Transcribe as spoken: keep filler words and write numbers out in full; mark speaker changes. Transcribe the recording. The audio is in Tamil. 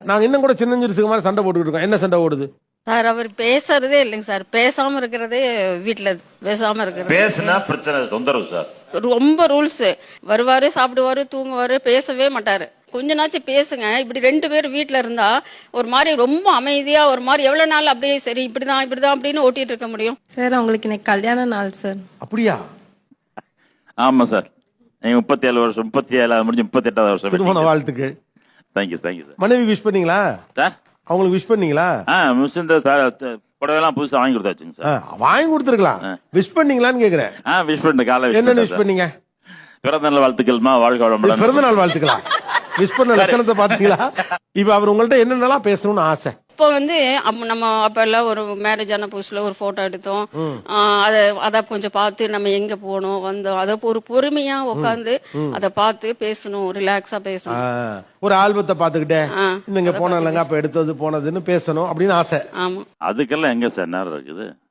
Speaker 1: நாங்க இன்னும் கூட சின்னஞ்சிறுசுக்கு மாதிரி சண்டை போட்டுக்கிட்டு இருக்கோம். என்ன சண்டை ஓடுது
Speaker 2: சார்? அவர் பேசுறதே இல்லைங்க சார். பேசாம இருக்கிறதே வீட்டுல பேசாம இருக்கிறது.
Speaker 3: பேசுனா பிரச்சனை, தொந்தரவு சார்.
Speaker 2: ரொம்ப ரூல்ஸ். வருவாரு, சாப்பிடுவாரு, தூங்குவாரு, பேசவே மாட்டாரு. கொஞ்ச நாச்சும் பேசுங்க. இப்படி ரெண்டு பேரும் வீட்டுல இருந்தா ஒரு மாதிரி ரொம்ப அமைதியா ஒரு மாதிரி எவ்வளவு நாள் அப்படியே சரி இப்படிதான் இப்படிதான் அப்படின்னு ஓட்டிட்டு இருக்க முடியும்
Speaker 4: சார்? அவங்களுக்கு இன்னைக்கு கல்யாண நாள் சார்.
Speaker 1: அப்படியா?
Speaker 3: ஆமா சார். நீங்க முப்பத்தி ஏழு வருஷம் முப்பத்தி ஏழாவது முடிஞ்சு முப்பத்தி எட்டாவது வருஷம்.
Speaker 1: திருமண வாழ்த்துக்கு.
Speaker 3: Thank you thank you sir.
Speaker 1: மனைவி விஷ் பண்ணீங்களா
Speaker 3: சார்?
Speaker 1: அவங்களுக்கு விஷ் பண்ணீங்களா?
Speaker 3: ஆ மிஸ் சார் புடவைலாம் புதுசா வாங்கி கொடுத்தாச்சுங்க சார்.
Speaker 1: வாங்கி கொடுத்துருக்கலாம். விஷ் பண்ணீங்களான்னு கேக்குறேன்.
Speaker 3: ஆ விஷ் பண்ண காலை
Speaker 1: என்ன விஷ் பண்ணீங்க?
Speaker 3: பிறந்த நாள் வாழ்த்துக்கள்மா, வாழ்க வளமுடன்.
Speaker 1: பிறந்த நாள் வாழ்த்துக்கலாம். விஷ் பண்ண லட்சணத்தை பாத்தீங்களா? இப்ப அவர் உங்கள்ட்ட என்னென்னலாம் பேசணும்னு ஆசை?
Speaker 2: இப்போ வந்து அப்ப நம்ம அப்ப எல்லாம் ஒரு மேரேஜ் ஆன புதுசுல ஒரு போட்டோ எடுத்தோம். அத அத கொஞ்சம் பார்த்து நம்ம எங்க போனோம் வந்தோம் அத ஒரு பொறுமையா உட்காந்து அத பார்த்து பேசணும், ரிலாக்ஸா பேசணும்.
Speaker 1: ஒரு ஆல்பத்தை பாத்துக்கிட்டே இந்த இங்க போனாங்க அப்ப எடுத்தது போனதுன்னு பேசணும் அப்படின்னு ஆசை.
Speaker 2: ஆமா.
Speaker 3: அதுக்கெல்லாம் எங்க சார் நேரம் இருக்குது?